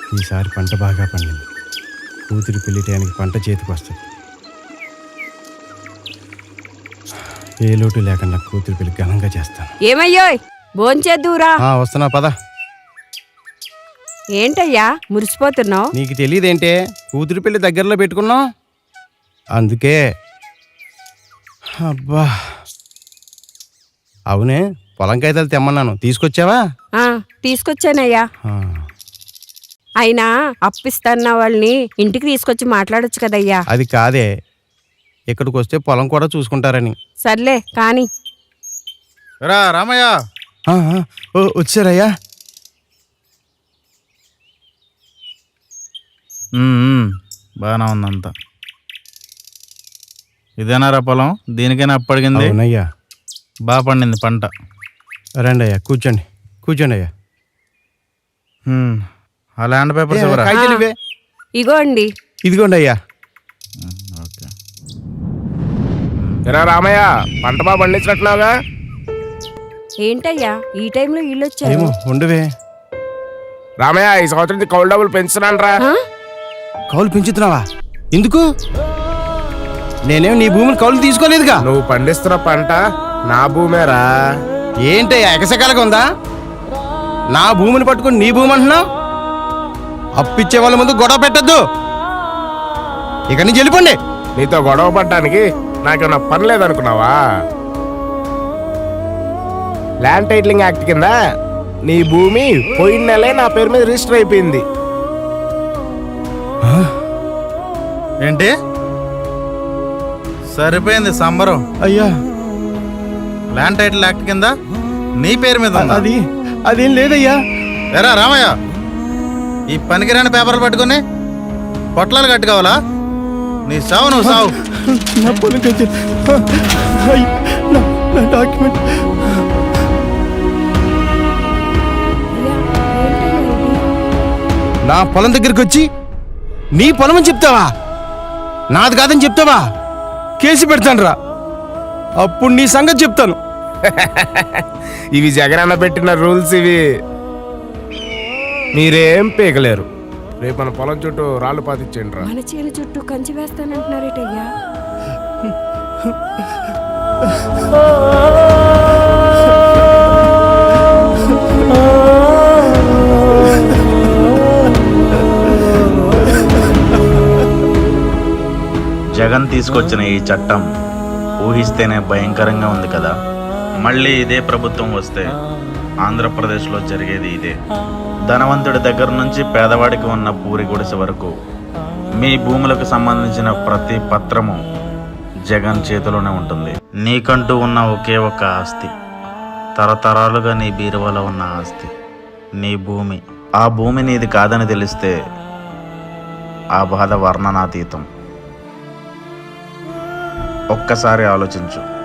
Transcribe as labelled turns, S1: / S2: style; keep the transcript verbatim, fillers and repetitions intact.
S1: ఈసారి పంట బాగా పండింది. కూతురి పెళ్లి టయానికి పంట చేతికి వస్తుంది. ఏ లోటు లేకుండా కూతురి పెళ్లి ఘనంగా చేస్తాను.
S2: ఏమయ్యో భోంచేద్దురా.
S1: వస్తున్నా పద.
S2: ఏంటయ్యా మురిసిపోతున్నావు?
S1: నీకు తెలియదేంటే, కూతురి పెళ్లి దగ్గరలో పెట్టుకున్నావు అందుకే. అబ్బా అవునే, పొలం కాగితాలు తెమ్మన్నాను, తీసుకొచ్చావా?
S2: తీసుకొచ్చానయ్యా. అయినా అప్పిస్తాన్న వాళ్ళని ఇంటికి తీసుకొచ్చి మాట్లాడొచ్చు కదయ్యా.
S1: అది కాదే, ఇక్కడికి వస్తే పొలం కూడా చూసుకుంటారని.
S2: సర్లే కాని.
S3: రా రామయ్య.
S1: వచ్చారయ్యా.
S3: బాగానే ఉందంతా. ఇదేనారా పొలం? దీనికైనా అప్పడిగింది?
S1: అవునయ్యా.
S3: బాగా పండింది పంట.
S1: రండి అయ్యా, కూర్చోండి కూర్చోండి అయ్యా.
S3: ఆ ల్యాండ్ పేపర్స్ ఇవ్వరా?
S2: ఇగో అండి.
S1: ఇదిగోండి అయ్యా.
S3: ఓకే.
S4: ఎరా రామయ్య, పంట బాగా పండించినట్టున్నావుగా?
S2: ఏంటయ్యా ఈ టైంలో ఇల్లు వచ్చారు?
S1: ఉండవే
S4: రామయ్య, ఈ సంవత్సరం కౌలు డబ్బులు పెంచుతున్నాను రా.
S1: కౌలు పెంచుతున్నావా? ఎందుకు? నేనేం నీ భూమిని కౌలు తీసుకోలేదుగా.
S4: నువ్వు పండిస్తున్న పంట నా భూమేరా.
S1: ఏంటయ్యా ఎకసకాలుగా ఉందా? నా భూమిని పట్టుకుని నీ భూమి అంటున్నావు? అప్పిచ్చే వాళ్ళ ముందు గొడవ పెట్టద్దు. ఇక నుంచి వెళ్ళిపోండి.
S4: నీతో గొడవ పడ్డానికి నాకేమన్నా పని లేదనుకున్నావా? ల్యాండ్ టైటిలింగ్ యాక్ట్ కింద నీ భూమి పోయిన నెలే నా పేరు మీద రిజిస్టర్ అయిపోయింది.
S3: ఏంటి? సరిపోయింది సంబరం.
S1: అయ్యా,
S3: ల్యాండ్ టైటిల్ యాక్ట్ కింద నీ పేరు మీద
S1: అది అదేం లేదయ్యా.
S3: ఎరా రామయ్య, ఈ పనికిరాని పేపర్లు పట్టుకుని పొట్లాలు కట్టుకోవాలా? నీ సావు నువ్వు సావు.
S1: నా పొలం డాక్యుమెంట్. నా పొలం దగ్గరికి వచ్చి నీ పొలం అని చెప్తావా? నాది కాదని చెప్తావా? కేసు పెడతాను రా, అప్పుడు నీ సంగతి చెప్తాను.
S4: ఇవి జగనన్న పెట్టిన రూల్స్. ఇవి మీరేం పీకలేరు. రేపు మన పొలం చుట్టూ రాళ్ళు పాతిచ్చేయండి రా.
S2: మన చేను చుట్టూ కంచి వేస్తానంటున్నారేటయ్యా.
S5: జగన్ తీసుకొచ్చిన ఈ చట్టం ఊహిస్తేనే భయంకరంగా ఉంది కదా. మళ్ళీ ఇదే ప్రభుత్వం వస్తే ఆంధ్రప్రదేశ్లో జరిగేది ఇదే. ధనవంతుడి దగ్గర నుంచి పేదవాడికి ఉన్న పూరి గుడిసె వరకు మీ భూములకు సంబంధించిన ప్రతి పత్రము జగన్ చేతిలోనే ఉంటుంది. నీకంటూ ఉన్న ఒకే ఒక ఆస్తి, తరతరాలుగా నీ బీరువాలో ఉన్న ఆస్తి, నీ భూమి. ఆ భూమి నీది కాదని తెలిస్తే ఆ బాధ వర్ణనాతీతం. ఒక్కసారి ఆలోచించు.